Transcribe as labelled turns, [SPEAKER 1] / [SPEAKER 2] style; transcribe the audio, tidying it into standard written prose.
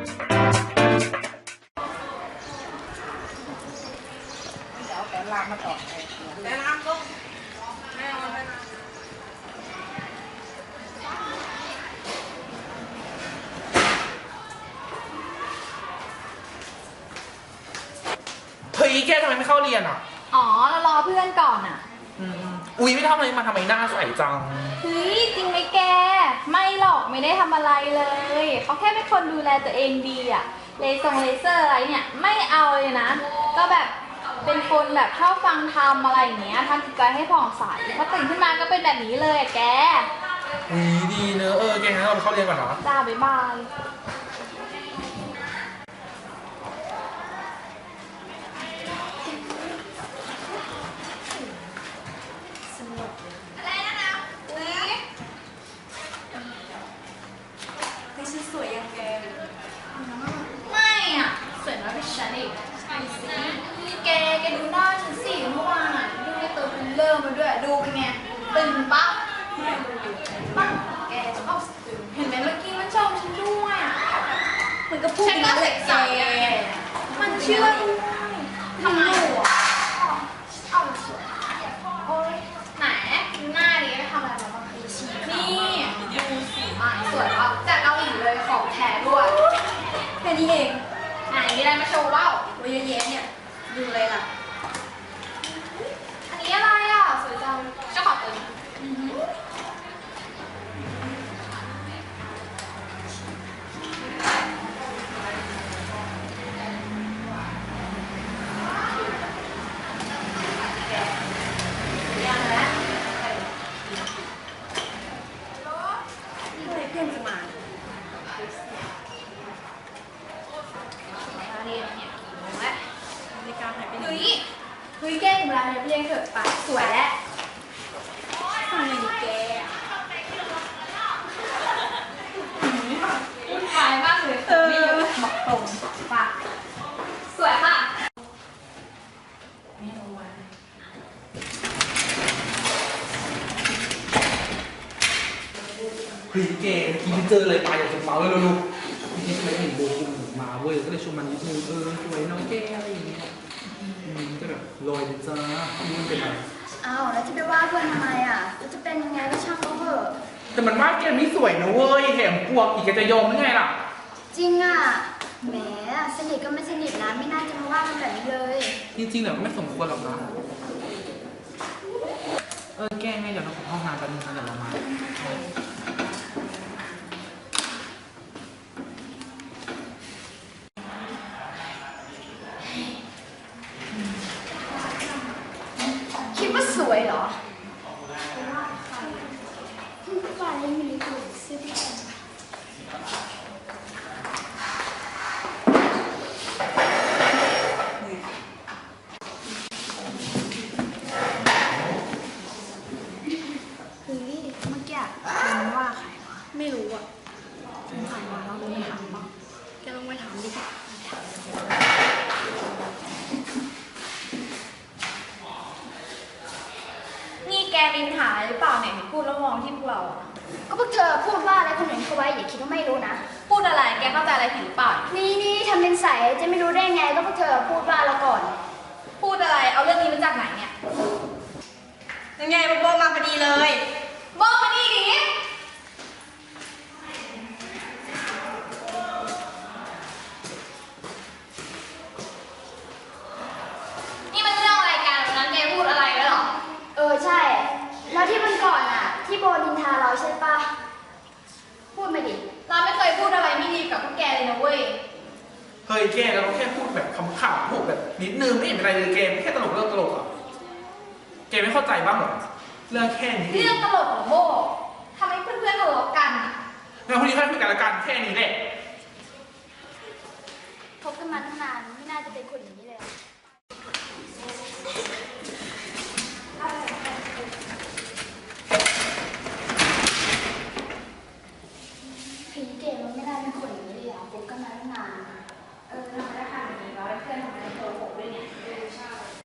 [SPEAKER 1] เดี๋ยวเอาแป้งลามมาต่อแป้งลามลูกแม่เอาไปนะเฮ้ยแกทำไมไม่เข้าเรียนอ่ะ
[SPEAKER 2] อ๋อเรารอเพื่อนก่อนอ่ะ
[SPEAKER 1] อุ๊ยไม่ทำอะไรมาทำไมหน้าใสจัง
[SPEAKER 2] เฮ้ยจริงไหมแกไม่หรอกไม่ได้ทำอะไรเลยเขาแค่เป็นคนดูแลตัวเองดีอ่ะเลเซอร์อะไรเนี่ยไม่เอาเลยนะก็แบบเป็นคนแบบชอบฟังธรรมอะไรอย่างเงี้ยทำจิตใจให้ผ่องใสพอตื่นขึ้นมาก็เป็นแบบนี้เลยอะแก
[SPEAKER 1] ดีเนอะแกงั้นเราไปเข้าเรียนก่อนเนาะ
[SPEAKER 2] จ้าบ๊ายบายสวยยังแกไม่อ่ะสวยน้อยกว่าฉันอีกแกดูหน้าฉันสิเมื่อวานอ่ะดูในตัวเป็นเริ่มมาด้วยดูเป็นไงตึงปั๊บปั๊บแกจะเอาตึงเห็นไหมเมื่อกี้มันชมฉันด้วยอ่ะเหมือนกับพูดฉันก็เสกใส่มันเชื่อด้วยทำไมอ่ะเอาสวยโอ๊ยไหนหน้าดีไปทำอะไรมาบ้างนี่ดูสิสวยอ่ะจากเกาหลีเลยของแท้ด้วยแค่นี้เองไหนมีอะไรมาโชว์ว้าวเยอะแยะเนี่ยดูเลยล่ะอันนี้อะไรอ่ะสวยจังเจ้าของตัวนี้เพื่อนจะมาเรียนเนี่ยกี่โมงแล้วนาฬิกาหายไปไหนเฮ้ยแกถึงเวลาเรียนเถอะไปสวยแล้วทำไงดีแกวุ่นวายมากเลยไม่เยอะบอกตรงป่ะสวยค่ะไม่รู้ว่า
[SPEAKER 1] เฮ้ยแกกินเจอเลยไปอยากจะเมาเลยลูกๆนี่ทำไมเห็นโบกุมมาเว้ยก็เลยชวนมันนิดนึงสวยน้องแกอะไรอย่างเงี้ยก็แบบลอยเลยจ้านี่มันเป็นอะไร
[SPEAKER 3] อ้าวแล้วจะไปว่าเพื่อนทำไมอ่ะจะเป็นยังไงก็ช่างเขาเถอะ
[SPEAKER 1] แต่มันว่าแกไม่สวยนะเว้ยแถมพวกอีกจะยอมหรือไงล่ะ
[SPEAKER 3] จริงอ่ะแหมสนิทก็ไม่สนิทนะไม่น่าจะมาว่ากันแบบนี้เลย
[SPEAKER 1] จริงๆแล้วก็ไม่สมควรหรอกนะแกไงเดี๋ยวเราขอห้องน้ำแป๊บนึงนะเดี๋ยวเรามา
[SPEAKER 3] คิดว่าสวยเหรอฝ่ายมีตัวซื้อที่ไหนเฮ้ยเมื่อกี้มันว่าใครวะ
[SPEAKER 2] ไม่รู้อ่ะ
[SPEAKER 3] สงสัยว่าเราไม่ถามบ้าง
[SPEAKER 2] แกลองไปถามดินี่แกมีปัญหาหรือเปล่าเนี่ยพูดแล้วมองที่พวกเราอ่ะ
[SPEAKER 3] ก็พวกเธอพูดว่าอะไรคนอื่นเขาไว้อย่าคิดว่าไม่รู้นะ
[SPEAKER 2] พูดอะไรแกเข้าใจอะไรผิดหรือเปล่า
[SPEAKER 3] นี่ทำเป็นใสจะไม่รู้ได้ไงก็พวกเธอพูดว่าเราก่อน
[SPEAKER 2] พูดอะไรเอาเรื่องนี้มาจากไหนเนี่ย
[SPEAKER 4] ยังไงโบมาพอดีเลย
[SPEAKER 2] โบมานี่ดินี่มันเรื่องอะไรกันวันนั้นแกพูดอะไรไว้หรอ
[SPEAKER 3] ใช่แล้วที่วันก่อนอ่ะที่โบนินทาเราใช่ปะพูดมาดิ
[SPEAKER 2] เราไม่เคยพูดอะไรไม่ดีกับพวกแกเลยนะเว้ย
[SPEAKER 1] เฮ้ยแกเราแค่พูดแบบขำๆพูดแบบนิดนึงไม่เห็นเป็นไรเลยแกแค่ตลกเรื่องตลกอ่ะแกไม่เข้าใจบ้างหรอเรื่องแค่นี้
[SPEAKER 2] เรื่องตลกของโบทำให้เพื่อนๆทะเลาะกัน
[SPEAKER 1] แล้วคนนี้แค่คุยกันละกันแค่นี้แหละ
[SPEAKER 3] คบกันมาตั้งนานไม่น่าจะเป็นคนอย่างนี้